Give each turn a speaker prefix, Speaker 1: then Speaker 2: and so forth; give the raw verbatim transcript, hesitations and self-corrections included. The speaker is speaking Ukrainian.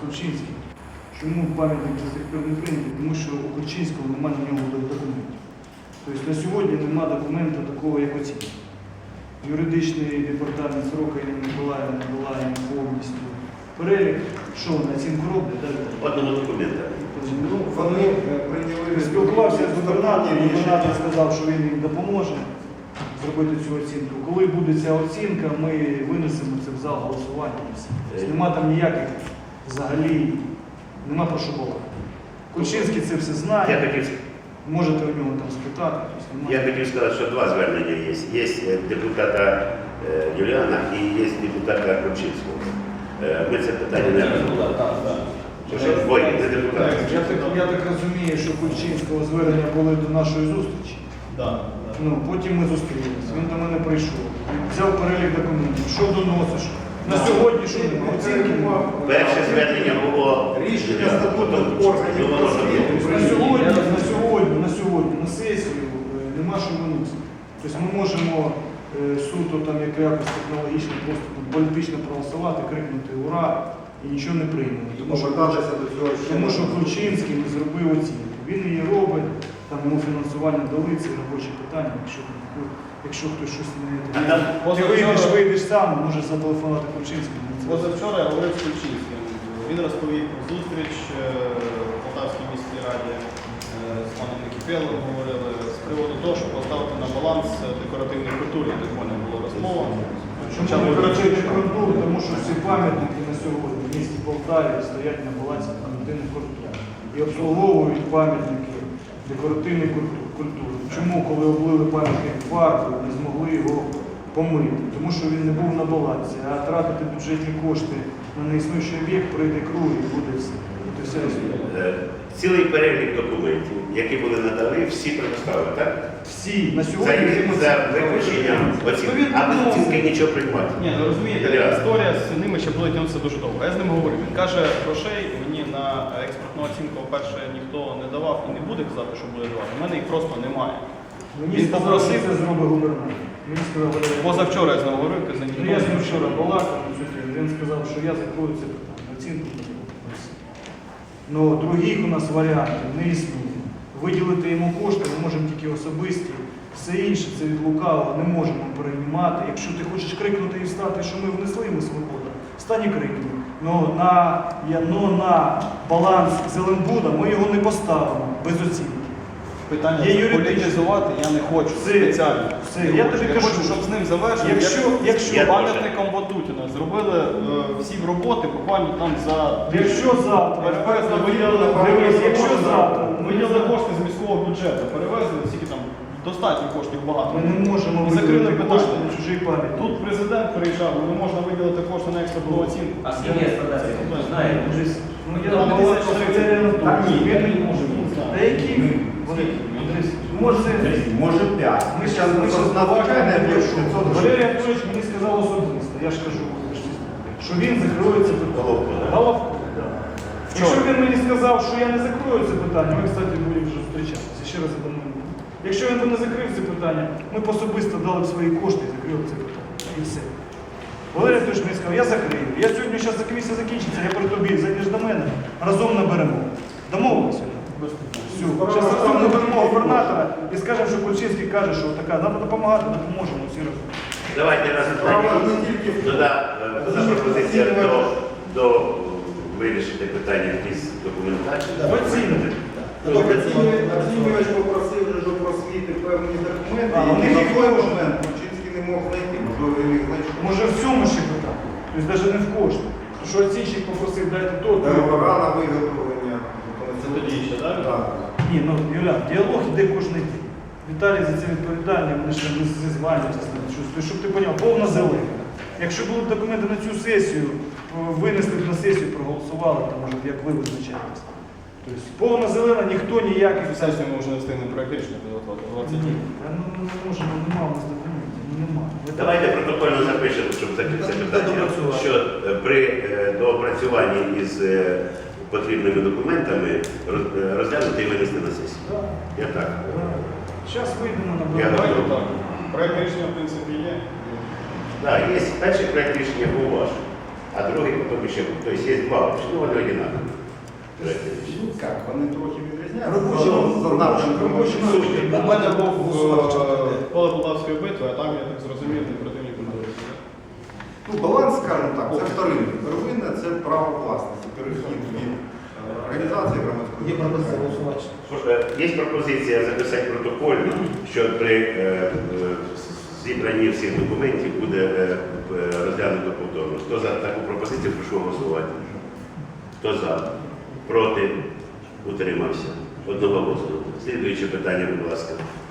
Speaker 1: Кульчинським. Чому пам'ятник до сих пір не прийнятий? Тому що у Кульчинського немає на нього документів. Тобто на сьогодні немає документу такого, як оцінка. Юридичний департамент Сорока Ірина Миколаївна надала їм повністю перелік, що вони оцінку роблять.
Speaker 2: Одного документа.
Speaker 1: Ну, вони прийняли, спілкувався з губернатором, і губернатор сказав, що він їм допоможе зробити цю оцінку. Коли буде ця оцінка, ми винесемо це в зал голосування. Тобто нема там ніяких взагалі, нема про що балакати. Кульчинський це все знає,
Speaker 2: Я хотів,
Speaker 1: можете у нього там спитати. Тобто
Speaker 2: я хотів сказати, що два звернення є. Є депутата е, Юліана і є депутата Кульчинського. Е, Ми це питання не розглядаємо. Ой, не депутат.
Speaker 1: Я так, я так розумію, що Кульчинського звернення були до нашої зустрічі.
Speaker 3: Да,
Speaker 1: Ну, потім ми зустрілися, він до мене прийшов, взяв перелік документів, що доносиш. На сьогодні що немає? Оцінки немає.
Speaker 2: Перше звернення було
Speaker 4: Рішення статутних органів
Speaker 2: Ну, воно
Speaker 4: просвіти.
Speaker 1: На сьогодні, на сьогодні, на сьогодні, на сесію е, нема що виносити. Тобто ми можемо е, суто там як якось технологічно, просто там, політично проголосувати, крикнути «Ура!» і нічого не приймемо. Тому що,
Speaker 4: Повертатися до цього ще
Speaker 1: тому що
Speaker 4: раз.
Speaker 1: Кульчинський не зробив оцінку. Він її робить, там йому фінансування дали, це робочі питання, якщо, якщо хтось щось не... Ти вийдеш, вийдеш сам, можеш зателефонувати Кульчинському.
Speaker 3: Позавчора я говорив з Кульчинським. Він розповів про зустріч е, в Полтавській міській раді е, з паном Некіпелом говорили з приводу того, щоб поставити на баланс декоративної культури, так в мене було розмова.
Speaker 1: Чому декоративні культури? Тому що всі пам'ятники на сьогодні в місті Полтаві стоять на балансі декоративних культур. І обслуговують пам'ятники декоративної культури. Чому, коли облили пам'ятник фарбою, не змогли його помити? Тому що він не був на балансі, а тратити бюджетні кошти на неіснуючий об'єкт, прийде круг і буде все. Це все
Speaker 2: Е, цілий перелік документів, які були надали, всі предоставили, так?
Speaker 1: всі на
Speaker 2: За,
Speaker 1: сьогодні...
Speaker 2: за виключенням оцінки. А без оцінки нічого приймати.
Speaker 3: Ні, ну розумієте, історія з ними ще буде тягнутися дуже довго. Я з ним говорив. Він каже, грошей мені на експортну оцінку, по-перше, ніхто не давав і не буде казати, що буде давати. У мене їх просто немає.
Speaker 1: Мені
Speaker 3: Він
Speaker 1: сказав,
Speaker 3: попросив,
Speaker 1: що це зробить губернатор. Він сказав,
Speaker 3: позавчора я з ним говорив, казав,
Speaker 1: ну, я з ним вчора балакав, він сказав, що я закрою це питання, оцінку не буду. Ну, других у нас варіантів не існує. Виділити йому кошти ми можемо тільки особисті, все інше це від лукавого не можемо переймати. Якщо ти хочеш крикнути і встати, що ми внесли, ми свободу, встань і крикни. Но на, я, но на баланс Зеленбуда ми його не поставимо без оцінки.
Speaker 3: Питання
Speaker 1: Є юридичне.
Speaker 3: політизувати я не хочу
Speaker 1: Це-
Speaker 3: спеціально.
Speaker 1: це-
Speaker 3: Не
Speaker 1: я
Speaker 3: хочу.
Speaker 1: тобі
Speaker 3: я
Speaker 1: кажу,
Speaker 3: хочу, щоб з ним завершили.
Speaker 1: якщо-
Speaker 3: Як-
Speaker 1: якщо-
Speaker 3: як пам'ятником Ватутіна зробили е, всі роботи буквально там за
Speaker 1: Якщо завтра,
Speaker 3: перевезли, виділили,
Speaker 1: дивись, якщо завтра,
Speaker 3: виділили кошти з міського бюджету, перевезли, скільки там достатньо коштів багато.
Speaker 1: ми не можемо
Speaker 3: І закрили
Speaker 1: виділити
Speaker 3: питання.
Speaker 1: кошти на чужий пам'ятник.
Speaker 3: Тут президент приїжджав, не можна виділити кошти на експортну оцінку.
Speaker 5: А скільки є складати? Знаєте?
Speaker 1: Ну, я
Speaker 3: Там
Speaker 1: думаю,
Speaker 3: тисяч
Speaker 1: що це
Speaker 3: тридцять.
Speaker 1: реально
Speaker 3: Так,
Speaker 1: так.
Speaker 3: ні,
Speaker 1: Він
Speaker 3: я
Speaker 1: не
Speaker 3: не
Speaker 1: може.
Speaker 3: можу, не знаю.
Speaker 1: Та які? Вони- Вони- Може,
Speaker 4: Може п'ять.
Speaker 1: ми зараз ми зараз
Speaker 4: навчаємо
Speaker 1: навчаємо. Валерій Анатолійович мені сказав особисто, я ж кажу, що він закриє це питання.
Speaker 2: Головко, да.
Speaker 1: Головко, так. Якщо він мені сказав, що я не закрою це питання, ми, кстати, будемо вже зустрічатися. Ще раз я думаю. Якщо він би не закрив це питання, ми б особисто дали б свої кошти і закрили б це питання. І все. Валерій Анатолійович мені сказав, я закрию. Я сьогодні, зараз комісія закінчиться, я при тобі, зайдеш до мене, разом наберемо. Домовилися? Все. Зараз разом наберемо губернатора і скажемо, що Кульчинський каже, що така, треба допомагати, допоможемо всі разом.
Speaker 2: Давайте раз
Speaker 4: Справа не тільки в
Speaker 2: Дода, дода пропозиція до, до вирішити питання якісь документації.
Speaker 1: Оцінити.
Speaker 4: Тобто оцінювач попросив вже, щоб просвіти певні документи,
Speaker 1: А,
Speaker 4: і
Speaker 1: вони
Speaker 4: на
Speaker 1: їх
Speaker 4: той
Speaker 1: можуть.
Speaker 4: момент Кульчинський не мог знайти, можливо, він їх знайшов.
Speaker 1: Може в цьому ще питання? Тобто навіть не в кошти. Тому що оцінщик попросив дайте то, то.
Speaker 4: Договора на виготовлення.
Speaker 3: Це тоді ще, так?
Speaker 4: Так.
Speaker 1: Ні, ну Юля, діалог іде кожен день. Віталій за це відповідальний, вони ще не зізванюються з ним. Тобто, щоб ти зрозумів, повна зелена. Якщо будуть документи на цю сесію, винесли б на сесію, проголосували, то може як ви визначаєтесь. Тобто повна зелена, ніхто ніяких.
Speaker 3: Сесію ми вже не встигнемо проєкт рішення підготувати. двадцять
Speaker 1: Ні,
Speaker 3: днів.
Speaker 1: ну не можемо, нема у нас документів, ну нема.
Speaker 2: Давайте протокольно запишемо, щоб закрити це питання, що е, при е, доопрацюванні із е, потрібними документами роз- е, розглянути і винести на сесію. Я так.
Speaker 1: Зараз вийдемо на
Speaker 2: Я
Speaker 1: базар.
Speaker 3: Давайте так. Проєкт рішення, в принципі, є.
Speaker 2: Так, є перший проєкт рішення був ваш. а другий потім ще, тобто є два, ну вони одинакові. Проекти рішення.
Speaker 4: Ну, як, вони трохи відрізняються.
Speaker 1: Робочі
Speaker 4: За- за напрямком
Speaker 1: робочі
Speaker 4: суті.
Speaker 3: У мене був е, поле Полтавської битви, а там, я так зрозумів, не противні культури.
Speaker 4: Ну, баланс, скажімо так, це вторинне. Первинне це право власності, перехід від е, організації громадської.
Speaker 5: Є пропозиція голосувати.
Speaker 2: Е, Є пропозиція записати протокольно, що при е, е, зібранні всіх документів буде е, е, розглянуто повторно. Хто за таку пропозицію, прошу голосувати. Хто за? Проти? Утримався. Одного голосу. Слідуюче питання, будь ласка.